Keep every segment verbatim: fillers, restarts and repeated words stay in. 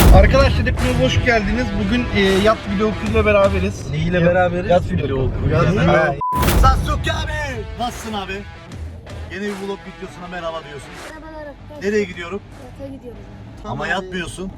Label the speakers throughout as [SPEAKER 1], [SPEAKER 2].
[SPEAKER 1] Arkadaşlar hepiniz hoş geldiniz. Bugün e, yat video okuluyla beraberiz.
[SPEAKER 2] Neyle beraberiz?
[SPEAKER 1] Yat video okuluyla.
[SPEAKER 2] Sasuke abi! Nasılsın abi? Yeni bir vlog videosuna merhaba diyorsun.
[SPEAKER 3] Merhabalar arkadaşlar.
[SPEAKER 2] Nereye gidiyorum?
[SPEAKER 3] Yata gidiyoruz.
[SPEAKER 2] Ama yatmıyorsun.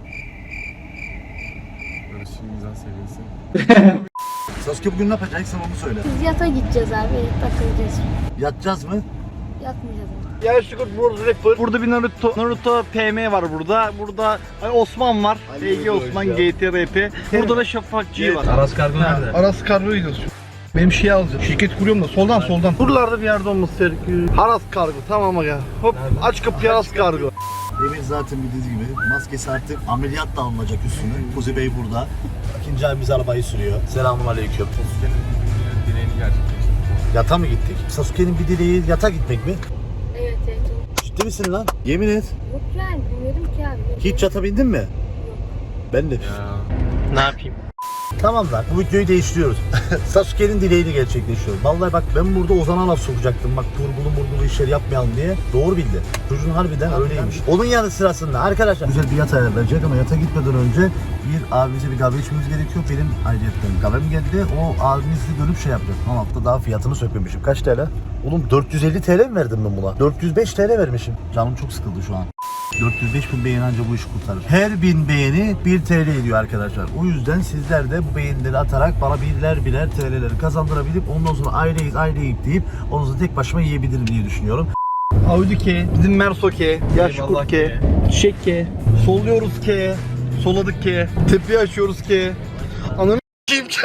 [SPEAKER 4] Barış'ımızdan sevinsin.
[SPEAKER 2] Sasuke bugün ne yapacaksın onu söyle.
[SPEAKER 3] Biz yata gideceğiz abi. Takılacağız.
[SPEAKER 2] Yatacağız mı?
[SPEAKER 3] Yatmayacağız abi.
[SPEAKER 1] Ya Sugar Bros Rapper. Burada bir Naruto Naruto P M var burada. Burada Osman var.
[SPEAKER 2] Ali
[SPEAKER 1] T G Osman
[SPEAKER 2] Hocam.
[SPEAKER 1] G T R P. Burada da Şafak G var.
[SPEAKER 4] Aras Kargo nerede?
[SPEAKER 1] Aras Kargo gidiyoruz. Benim şeyi alacağım. Şirket kuruyorum da soldan soldan. Buralarda bir yerde olması gerekiyor. Aras Kargo tamam aga. Hop aç kapıyı Aras Kargo.
[SPEAKER 2] Demir zaten bildiğiniz gibi maskesi artık ameliyat da alınacak üstüne. Kuzi Bey burada. İkinci abimiz arabayı sürüyor. Selamun aleyküm.
[SPEAKER 4] Sasuke'nin dileğini gerçekleştirdi.
[SPEAKER 2] Yata mı gittik? Sasuke'nin bir dileği yata gitmek mi?
[SPEAKER 3] Evet evet.
[SPEAKER 2] Ciddi misin lan? Yemin et.
[SPEAKER 3] Yok yani bilmiyordum ki abi.
[SPEAKER 2] Hiç yata bindin mi? Ben de.
[SPEAKER 4] Ya.
[SPEAKER 1] Ne yapayım?
[SPEAKER 2] Tamam lan, bu videoyu değiştiriyoruz. Sasuke'nin dileğini gerçekleştiriyoruz. Vallahi bak ben burada Ozan'a laf sokacaktım. Bak turbulu murgulu işleri yapmayalım diye. Doğru bildi. Çocuğun harbiden öyleymiş. Onun yanı sırasında arkadaşlar güzel bir yat ayarlayacak ama yata gitmeden önce bir abimize bir kahve içmemiz gerekiyor. Benim ayrıyetten kahvem geldi. O abimizle dönüp şey yapacak. Ama hatta daha fiyatını sökmemişim. Kaç T L? Oğlum dört yüz elli T L mi verdim ben buna? dört yüz beş T L vermişim. Canım çok sıkıldı şu an. dört yüz beş bin beğeni anca bu işi kurtarır. Her bin beğeni bir T L ediyor arkadaşlar. O yüzden sizler de bu beğenileri atarak bana birler birer T L'leri kazandırabilip ondan sonra aileyiz aileyiz deyip onu da tek başıma yiyebilirim diye düşünüyorum.
[SPEAKER 1] Audi K, bizim Merso K, Yaş
[SPEAKER 4] Eyvallah
[SPEAKER 1] Kurt K, Çiçek K, solluyoruz K, soladık K, tepeyi açıyoruz K. Ananı s**eyim K.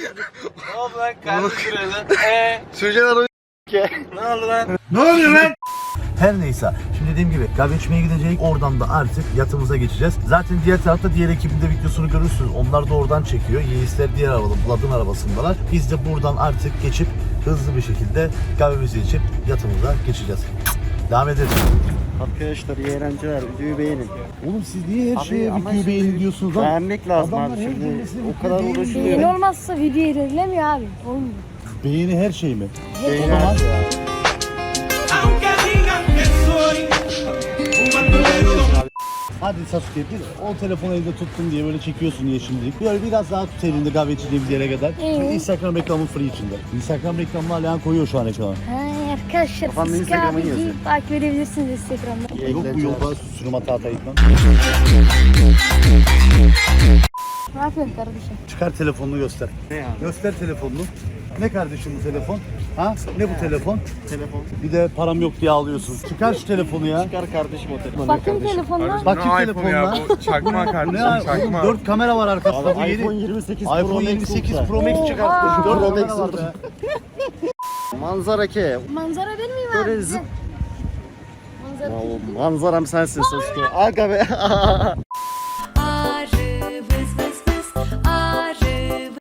[SPEAKER 4] Ne oldu lan? Kardeşim Eee?
[SPEAKER 1] Söyleyeceğin arayı K.
[SPEAKER 4] Ne oldu lan?
[SPEAKER 2] Ne oluyor lan? Her neyse. Şimdi dediğim gibi kahve içmeye gideceğiz. Oradan da artık yatımıza geçeceğiz. Zaten diğer tarafta diğer ekibin de videosunu görürsünüz. Onlar da oradan çekiyor. Yeğizler diğer arabada, Vlad'ın arabasındalar. Biz de buradan artık geçip hızlı bir şekilde kahvemizi içip yatımıza geçeceğiz. Devam edelim.
[SPEAKER 5] Arkadaşlar iyi eğlenceler, videoyu beğenin.
[SPEAKER 2] Oğlum siz niye her
[SPEAKER 5] Abi
[SPEAKER 2] şeye
[SPEAKER 5] ama
[SPEAKER 2] videoyu
[SPEAKER 5] şimdi
[SPEAKER 2] beğenin diyorsunuz lan?
[SPEAKER 5] Beğenmek lazım
[SPEAKER 2] Adamlar
[SPEAKER 5] abi
[SPEAKER 2] her
[SPEAKER 5] şimdi.
[SPEAKER 2] cümlesini
[SPEAKER 5] O kadar
[SPEAKER 2] beğeni-
[SPEAKER 5] uğraşıyor.
[SPEAKER 3] Beğeni olmazsa video ilerlemiyor abi. Olmuyor.
[SPEAKER 2] Beğeni her şey mi?
[SPEAKER 5] Beğeni
[SPEAKER 2] O zaman-
[SPEAKER 5] her şey abi.
[SPEAKER 2] Hadi Sasuke bir o telefonu elinde tuttun diye böyle çekiyorsun diye şimdilik. Böyle biraz daha tut elinde kahve içeceğimiz yere kadar. Şimdi
[SPEAKER 3] Evet.
[SPEAKER 2] Instagram reklamı free içinde. Instagram reklamını Alihan koyuyor şu an ekrana.
[SPEAKER 3] Ha, arkadaşlar
[SPEAKER 5] Kafamda
[SPEAKER 3] siz
[SPEAKER 5] Instagram'ı
[SPEAKER 3] abiyi
[SPEAKER 5] yazıyor.
[SPEAKER 3] takip edebilirsiniz Instagram'da.
[SPEAKER 5] İyi
[SPEAKER 2] Yok bu
[SPEAKER 5] eğlenceler.
[SPEAKER 2] yolda sürüm hata hata gitmem.
[SPEAKER 3] Ne yapıyorsun kardeşim?
[SPEAKER 2] Çıkar telefonunu göster.
[SPEAKER 5] Ne ya?
[SPEAKER 2] Göster telefonunu. Ne kardeşim bu telefon? Ha? Ne bu telefon?
[SPEAKER 5] Telefon.
[SPEAKER 2] Bir de param yok diye ağlıyorsun. Çıkar şu telefonu ya.
[SPEAKER 5] Çıkar kardeşim o telefonu.
[SPEAKER 3] Bakın telefonuna.
[SPEAKER 2] Bak kim
[SPEAKER 4] Ne
[SPEAKER 2] telefon
[SPEAKER 4] iPhone ya
[SPEAKER 2] lan?
[SPEAKER 4] bu? Çakma
[SPEAKER 2] Ne
[SPEAKER 4] kardeşim
[SPEAKER 2] ya?
[SPEAKER 4] çakma.
[SPEAKER 2] dört kamera var arkasında bu
[SPEAKER 5] Abi
[SPEAKER 2] yeni.
[SPEAKER 5] iPhone yirmi sekiz Pro
[SPEAKER 2] iPhone
[SPEAKER 5] Max
[SPEAKER 2] yirmi sekiz
[SPEAKER 5] Ultra.
[SPEAKER 2] Pro Max
[SPEAKER 3] Oha!
[SPEAKER 2] çıkartmış. dört
[SPEAKER 5] Pro
[SPEAKER 2] kamera
[SPEAKER 5] Max
[SPEAKER 2] var
[SPEAKER 5] Ultra.
[SPEAKER 2] be.
[SPEAKER 5] Manzara ke.
[SPEAKER 3] Manzara ben miyim
[SPEAKER 5] Böyle
[SPEAKER 3] abi?
[SPEAKER 5] zıp-
[SPEAKER 3] Manzara.
[SPEAKER 5] Vallahi manzaram sensin Sasuke. Aga be.
[SPEAKER 6] Arı vız vız vız, arı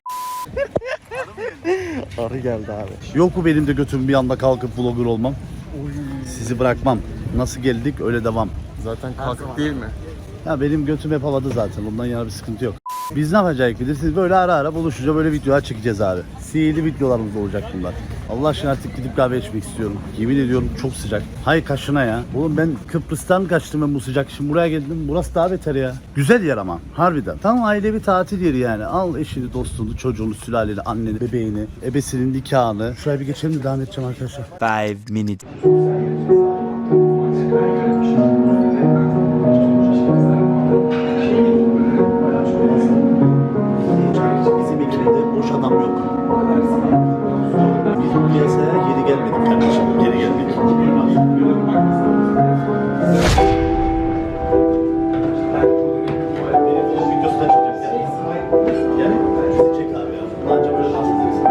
[SPEAKER 5] Arı geldi abi.
[SPEAKER 2] Yok bu benim de götüm bir anda kalkıp vlogger olmam. Sizi bırakmam. Nasıl geldik öyle devam.
[SPEAKER 4] Zaten kalkık değil mi?
[SPEAKER 2] Ya benim götüm hep havada zaten. Ondan yana bir sıkıntı yok. Biz ne yapacağız bilirsiniz? Böyle ara ara buluşacağız. Böyle videolar çekeceğiz abi. Sihirli videolarımız olacak bunlar. Allah aşkına artık gidip kahve içmek istiyorum. Yemin ediyorum çok sıcak. Hay kaşına ya. Oğlum ben Kıbrıs'tan kaçtım ben bu sıcak. Şimdi buraya geldim. Burası daha beter ya. Güzel yer ama. Harbiden. Tam ailevi tatil yeri yani. Al eşini, dostunu, çocuğunu, sülaleni, anneni, bebeğini, ebesinin nikahını. Şuraya bir geçelim de devam edeceğim arkadaşlar.
[SPEAKER 7] Five minutes.
[SPEAKER 2] Bizim ekibde boş adam yok. Biz bu piyasaya geri gelmedik kardeşim. Geri geldik. Videosuna çıkacağız. Gel. Bizi çek abi ya. Anca böyle bahsederiz.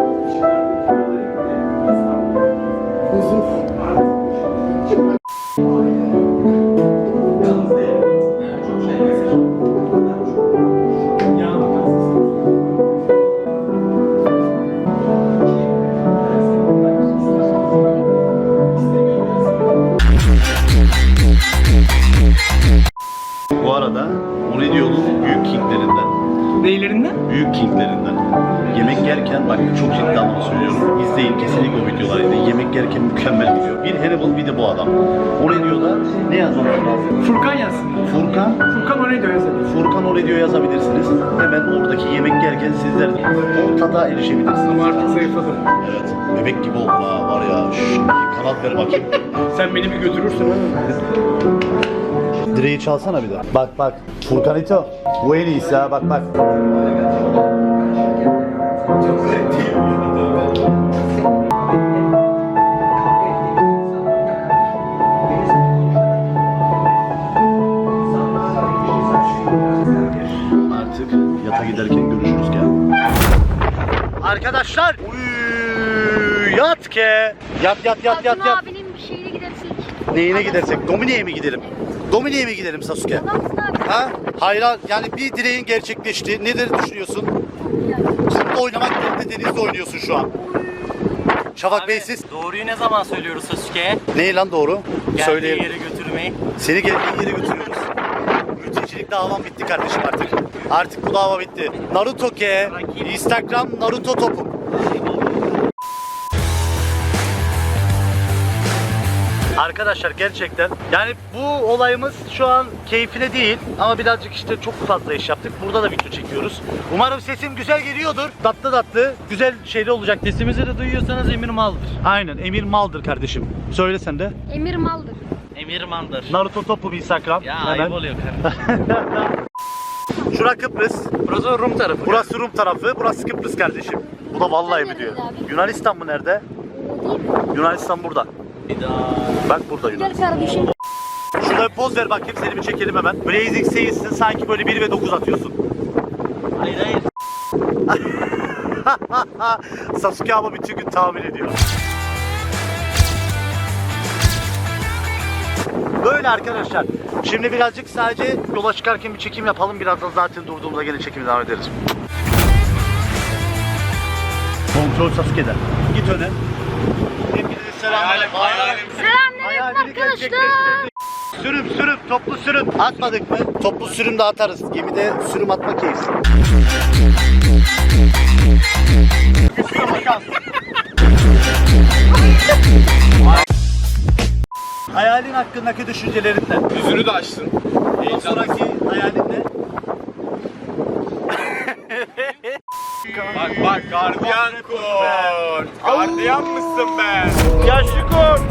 [SPEAKER 2] Bu arada Oridio'nun büyük kinglerinden
[SPEAKER 4] Neylerinden?
[SPEAKER 2] Büyük kinglerinden. Yemek yerken bak çok ciddi anlamda söylüyorum. İzleyin kesinlikle o videoları izleyin. Yemek yerken mükemmel gidiyor. Bir Hannibal bir de bu adam. O ne diyor da ne yazmamız lazım?
[SPEAKER 4] Furkan yazsın.
[SPEAKER 2] Furkan.
[SPEAKER 4] Furkan oraya diyor yazalım.
[SPEAKER 2] Furkan o diyor yazabilirsiniz. Hemen oradaki yemek yerken sizler de o tada erişebilirsiniz.
[SPEAKER 4] Ama artık zayıfladım.
[SPEAKER 2] Evet. Bebek gibi oldu ha var ya. Şşş, kanat ver bakayım.
[SPEAKER 4] Sen beni bir götürürsün ha.
[SPEAKER 2] Direği çalsana bir daha. Bak bak. Furkanito. Bu en iyisi ha bak bak. Artık yata giderken görüşürüz gel. Arkadaşlar. Uy, yat ke. Yat yat yat yat
[SPEAKER 3] Altın
[SPEAKER 2] yat.
[SPEAKER 3] abinin bir şeyine gidersek.
[SPEAKER 2] Neyine gidersek? Domine'ye mi gidelim? Domine'ye mi gidelim Sasuke?
[SPEAKER 3] Adamsın abi.
[SPEAKER 2] Ha? Hayır yani bir dileğin gerçekleşti. Nedir düşünüyorsun? Kumda oynamak yerine denizde oynuyorsun şu an. Şafak Bey siz?
[SPEAKER 7] Doğruyu ne zaman söylüyoruz Sasuke'ye?
[SPEAKER 2] Ne lan doğru?
[SPEAKER 7] Geldiği
[SPEAKER 2] Söyleyelim.
[SPEAKER 7] yere götürmeyi.
[SPEAKER 2] Seni geldiğin yere götürüyoruz. Mültecilik davam bitti kardeşim artık. Artık bu dava bitti. Naruto ke. Instagram Naruto topu. Arkadaşlar gerçekten yani bu olayımız şu an keyfine değil ama birazcık işte çok fazla iş yaptık. Burada da video çekiyoruz. Umarım sesim güzel geliyordur. Tatlı tatlı güzel şeyler olacak.
[SPEAKER 7] Sesimizi de duyuyorsanız Emir Mal'dır.
[SPEAKER 2] Aynen Emir Mal'dır kardeşim. Söyle sen de.
[SPEAKER 3] Emir maldır.
[SPEAKER 7] Emir Mal'dır.
[SPEAKER 2] Naruto topu Instagram.
[SPEAKER 7] Ya
[SPEAKER 2] Hemen.
[SPEAKER 7] ayıp oluyor kardeşim.
[SPEAKER 2] Şura Kıbrıs.
[SPEAKER 7] Burası Rum tarafı.
[SPEAKER 2] Burası Rum tarafı. Burası Kıbrıs kardeşim. Bu da vallahi mi diyor.
[SPEAKER 3] Nerede abi?
[SPEAKER 2] Yunanistan mı nerede?
[SPEAKER 3] O değil mi?
[SPEAKER 2] Yunanistan burada. Bak burada
[SPEAKER 3] Gel
[SPEAKER 2] Yunanistan.
[SPEAKER 3] kardeşim.
[SPEAKER 2] Şurada bir poz ver bakayım seni bir çekelim hemen. Blazing Sails'in sanki böyle bir ve dokuz atıyorsun.
[SPEAKER 7] Hayır hayır.
[SPEAKER 2] Sasuke ama bütün gün tahmin ediyor. Böyle arkadaşlar. Şimdi birazcık sadece yola çıkarken bir çekim yapalım. Birazdan zaten durduğumuzda gene çekimi devam ederiz. Kontrol Sasuke'den. Git öne. Hepinize selamünaleyküm.
[SPEAKER 3] Selamünaleyküm arkadaşlar.
[SPEAKER 2] Sürüm sürüm toplu sürüm. Atmadık mı? Toplu sürüm de atarız. Gemide sürüm atma keyif. Hayalin hakkındaki düşüncelerinden.
[SPEAKER 4] Yüzünü de açsın.
[SPEAKER 2] Ondan sonraki hayalin ne?
[SPEAKER 4] Bak bak gardiyan kurt. Gardiyan mısın be?
[SPEAKER 2] Yaşlı kurt.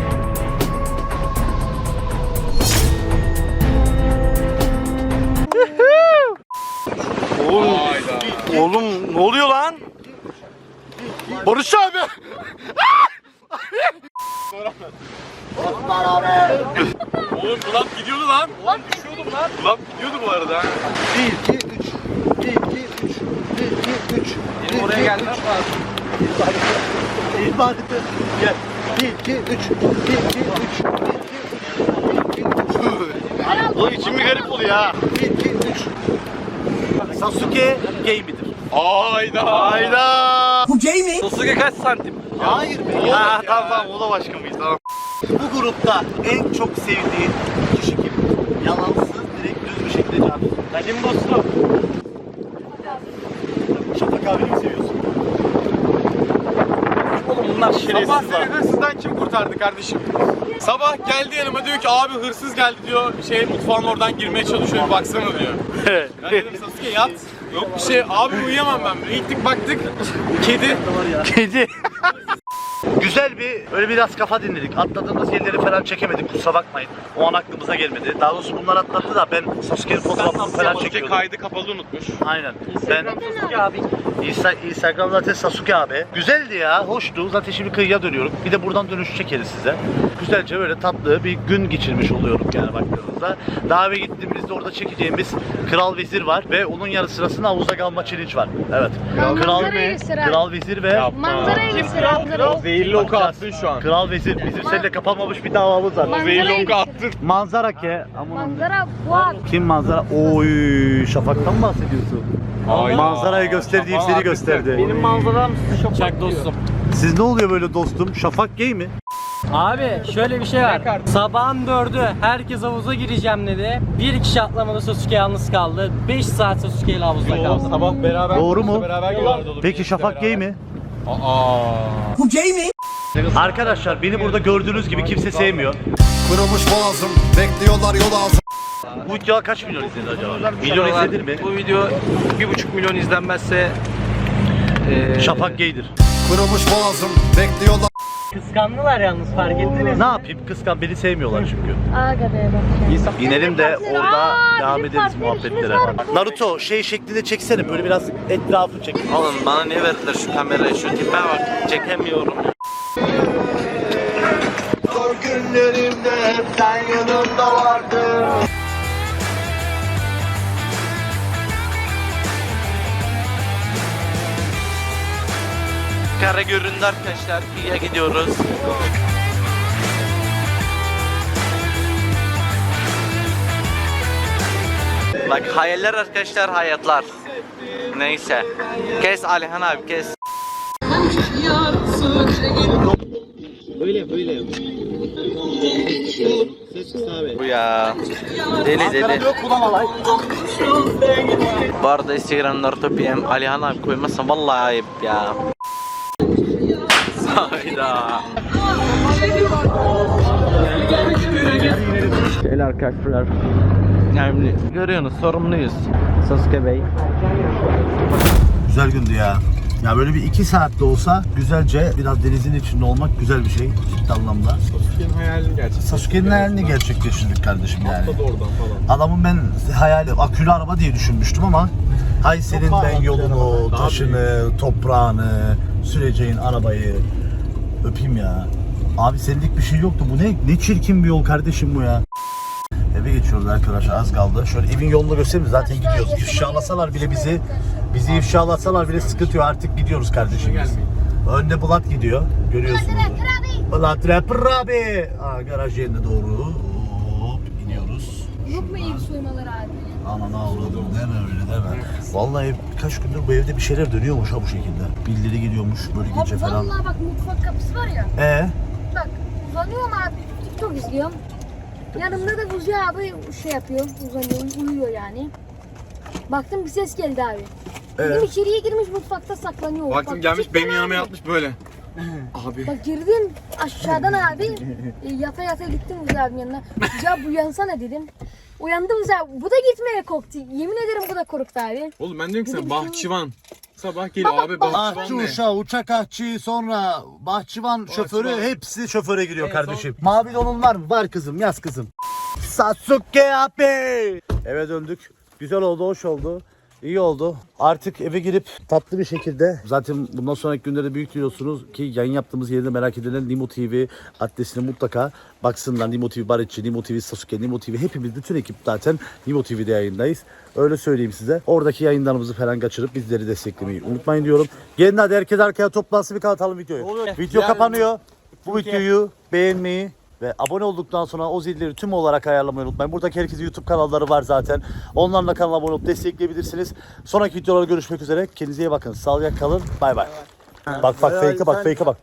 [SPEAKER 4] Oğlum. Hayda.
[SPEAKER 2] Oğlum ne oluyor lan? Barış abi.
[SPEAKER 4] Oğlum kulak gidiyordu lan. Oğlum düşüyordum lan. Kulak gidiyordu bu arada.
[SPEAKER 2] bir iki üç. bir iki üç. bir iki üç.
[SPEAKER 4] Benim oraya gelmem lazım.
[SPEAKER 2] İbadete gel. bir iki üç. bir iki üç. bir iki üç. Oğlum içim bir garip oluyor ha. bir iki üç. Sasuke gay midir?
[SPEAKER 4] Hayda.
[SPEAKER 2] Hayda.
[SPEAKER 7] Sasuke kaç santim?
[SPEAKER 2] Hayır be. Ha, tamam tamam o da başka mıyız tamam. Bu grupta en çok sevdiğin kişi kim? Yalansız direkt düz bir şekilde cevap.
[SPEAKER 7] Benim dostum.
[SPEAKER 2] Şafak abini mi seviyorsun?
[SPEAKER 7] Oğlum bunlar
[SPEAKER 4] Sabah
[SPEAKER 7] şerefsiz
[SPEAKER 4] seni
[SPEAKER 7] lan.
[SPEAKER 4] hırsızdan kim kurtardı kardeşim? Sabah geldi yanıma diyor ki abi hırsız geldi diyor. Şey mutfağın oradan girmeye çalışıyor bir baksana diyor. Ben dedim Sasuke yat. Yok bir şey abi uyuyamam ben. Böyle gittik baktık. Kedi.
[SPEAKER 2] Kedi. Güzel bir böyle biraz kafa dinledik. Atladığımız yerleri falan çekemedik. Kusura bakmayın. O an aklımıza gelmedi. Daha doğrusu bunlar atlattı da ben Sasuke'nin fotoğrafını falan
[SPEAKER 4] Sasuke
[SPEAKER 2] çekiyordum.
[SPEAKER 4] kaydı kapalı unutmuş.
[SPEAKER 2] Aynen. Ben
[SPEAKER 7] Sasuke abi.
[SPEAKER 2] Insta Instagram zaten Sasuke abi. Güzeldi ya, hoştu. Zaten şimdi kıyıya dönüyorum. Bir de buradan dönüş çekeriz size. Güzelce böyle tatlı bir gün geçirmiş oluyorum yani baktığınızda. Daha eve gittiğimizde orada çekeceğimiz Kral Vezir var ve onun yarı sırasında havuza kalma challenge var. Evet. Kral,
[SPEAKER 3] Manzarayı göster abi.
[SPEAKER 2] Kral Vezir ve
[SPEAKER 3] Manzarayı göster abi.
[SPEAKER 4] Zehirli oku attın şu an.
[SPEAKER 2] Kral Vezir. Bizim seninle kapanmamış bir davamız var.
[SPEAKER 3] Manzarayı
[SPEAKER 4] Zehirli oku
[SPEAKER 3] göster.
[SPEAKER 4] attın.
[SPEAKER 2] Manzara ke. Aman
[SPEAKER 3] Manzara bu abi.
[SPEAKER 2] kim manzara? Oy, Şafak'tan mı bahsediyorsun?
[SPEAKER 4] Hayda.
[SPEAKER 2] Manzarayı gösterdiğim
[SPEAKER 4] Şafak
[SPEAKER 2] seni
[SPEAKER 4] artık
[SPEAKER 2] gösterdi.
[SPEAKER 7] Benim manzaram size çok
[SPEAKER 2] Siz ne oluyor böyle dostum? Şafak gay mi?
[SPEAKER 7] Abi şöyle bir şey var. Sabahın dördü herkes havuza gireceğim dedi. Bir kişi atlamadı, Sasuke yalnız kaldı. beş saat Sasuke ile havuzda kaldı.
[SPEAKER 4] Sabah beraber
[SPEAKER 2] Doğru mu?
[SPEAKER 4] Beraber geliyorlardı.
[SPEAKER 2] Peki Şafak gay mi?
[SPEAKER 4] Aa.
[SPEAKER 2] Arkadaşlar beni burada gördüğünüz gibi kimse sevmiyor.
[SPEAKER 8] Kırılmış boğazım, bekliyorlar yol ağzım.
[SPEAKER 2] Bu video kaç milyon izlenir acaba? Milyon izlenir mi?
[SPEAKER 7] Bu video bir buçuk milyon izlenmezse
[SPEAKER 2] Şafak gaydir.
[SPEAKER 8] Kırılmış boğazım, bekliyorlar.
[SPEAKER 7] kıskandılar yalnız, fark ettiniz.
[SPEAKER 2] Ne yapayım? Kıskan beni sevmiyorlar çünkü.
[SPEAKER 3] Aga be bak.
[SPEAKER 2] İnelim de orada
[SPEAKER 3] Aa,
[SPEAKER 2] devam
[SPEAKER 3] bizim
[SPEAKER 2] ederiz
[SPEAKER 3] farklı
[SPEAKER 2] muhabbetlere.
[SPEAKER 3] işimiz var.
[SPEAKER 2] Naruto şey şeklinde çeksene böyle biraz etrafı çek.
[SPEAKER 9] Oğlum bana ne verdiler şu kamerayı, şu tipe bak, çekemiyorum. Kara göründü arkadaşlar, kıyıya gidiyoruz. Bak hayaller arkadaşlar, hayatlar. Neyse. Kes Alihan abi, kes. Bu ya. Deli deli. Bu arada Instagram Naruto P M Alihan abi koymazsan vallahi ayıp ya. Hayda.
[SPEAKER 7] Gel arkadaşlar.
[SPEAKER 9] Yani görüyorsunuz, sorumluyuz.
[SPEAKER 7] Sasuke Bey.
[SPEAKER 2] Güzel gündü ya. Ya böyle bir iki saatte olsa güzelce biraz denizin içinde olmak güzel bir şey ciddi anlamda.
[SPEAKER 4] Sasuke'nin hayalini gerçekleştirdik.
[SPEAKER 2] Sasuke'nin hayalini gerçekleştirdik kardeşim yani.
[SPEAKER 4] Atladı oradan falan.
[SPEAKER 2] Adamın ben hayali akülü araba diye düşünmüştüm ama hay senin ben yolunu, taşını, toprağını, süreceğin arabayı öpeyim ya. Abi senlik bir şey yoktu. Bu ne ne çirkin bir yol kardeşim bu ya. Eve geçiyoruz arkadaşlar, az kaldı. Şöyle evin yolunu göstereyim, zaten gidiyoruz. İfşalasalar bile bizi, bizi ifşalasalar bile sıkıntı yok. Artık gidiyoruz kardeşim biz. Önde Bulat gidiyor, görüyorsunuz. Bulat Rapper abi. Aa, garaj yerine doğru hop iniyoruz.
[SPEAKER 3] Yok mu ev soymaları abi?
[SPEAKER 2] Ananı avradım, deme öyle deme. Vallahi birkaç gündür bu evde bir şeyler dönüyormuş ha bu şekilde. Bildiri gidiyormuş böyle gece
[SPEAKER 3] Abi
[SPEAKER 2] falan.
[SPEAKER 3] vallahi bak mutfak kapısı var ya.
[SPEAKER 2] Ee?
[SPEAKER 3] Bak uzanıyorum abi. TikTok izliyorum. Yanımda da Buzi abi şey yapıyor. Uzanıyor, uyuyor yani. Baktım bir ses geldi abi. Dedim içeriye girmiş mutfakta saklanıyor.
[SPEAKER 4] Baktım
[SPEAKER 3] Bak,
[SPEAKER 4] gelmiş
[SPEAKER 3] cidden
[SPEAKER 4] benim
[SPEAKER 3] abi.
[SPEAKER 4] yanıma yatmış böyle. Abi.
[SPEAKER 3] Bak girdim aşağıdan abi. e, yata yata gittim Buzi abinin yanına. Ya bu uyansana dedim. Uyandı Buzi abi. Bu da gitmeye korktu. Yemin ederim bu da korktu abi.
[SPEAKER 4] Oğlum ben diyorum ki sana
[SPEAKER 3] Dedim ki-
[SPEAKER 4] bahçıvan. Sabah geliyor abi bahçıvan
[SPEAKER 2] Ahçı
[SPEAKER 4] ne?
[SPEAKER 2] uşağı, uçak ahçı, sonra bahçıvan şoförü hepsi şoföre giriyor
[SPEAKER 4] En
[SPEAKER 2] kardeşim. Mavi donun var mı? Var kızım, yaz kızım. Sasuke abi. Eve döndük. Güzel oldu, hoş oldu. İyi oldu. Artık eve girip tatlı bir şekilde, zaten bundan sonraki günlerde büyük biliyorsunuz ki yayın yaptığımız yerde merak edilen Nimo T V adresine mutlaka baksınlar. Nimo T V Barışçı, Nimo T V Sasuke, Nimo T V hepimiz, bütün ekip zaten Nimo T V'de yayındayız. Öyle söyleyeyim size. Oradaki yayınlarımızı falan kaçırıp bizleri desteklemeyi unutmayın diyorum. Gelin hadi herkes arkaya toplansın, bir kapatalım videoyu. Video kapanıyor. Bu videoyu beğenmeyi ve abone olduktan sonra o zilleri tüm olarak ayarlamayı unutmayın. Buradaki herkesin YouTube kanalları var zaten. Onlarla kanala abone olup destekleyebilirsiniz. Sonraki videolarda görüşmek üzere. Kendinize iyi bakın. Sağlıcakla kalın. Bay bay. Bak bak fake'e bak fake'e bak.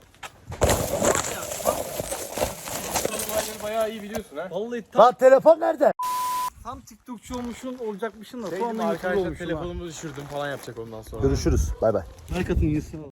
[SPEAKER 4] Bayağı iyi biliyorsun ha.
[SPEAKER 7] Vallahi tam,
[SPEAKER 2] Lan telefon nerede?
[SPEAKER 7] tam TikTokçu olmuşsun, olacakmışsın da
[SPEAKER 4] Şey
[SPEAKER 7] sonra
[SPEAKER 4] gibi
[SPEAKER 7] YouTuber
[SPEAKER 4] arkadaşlar
[SPEAKER 7] olmuşsun ha.
[SPEAKER 4] telefonumu düşürdüm falan yapacak ondan sonra.
[SPEAKER 2] Görüşürüz. Bay bay.
[SPEAKER 5] Like atın, yesin.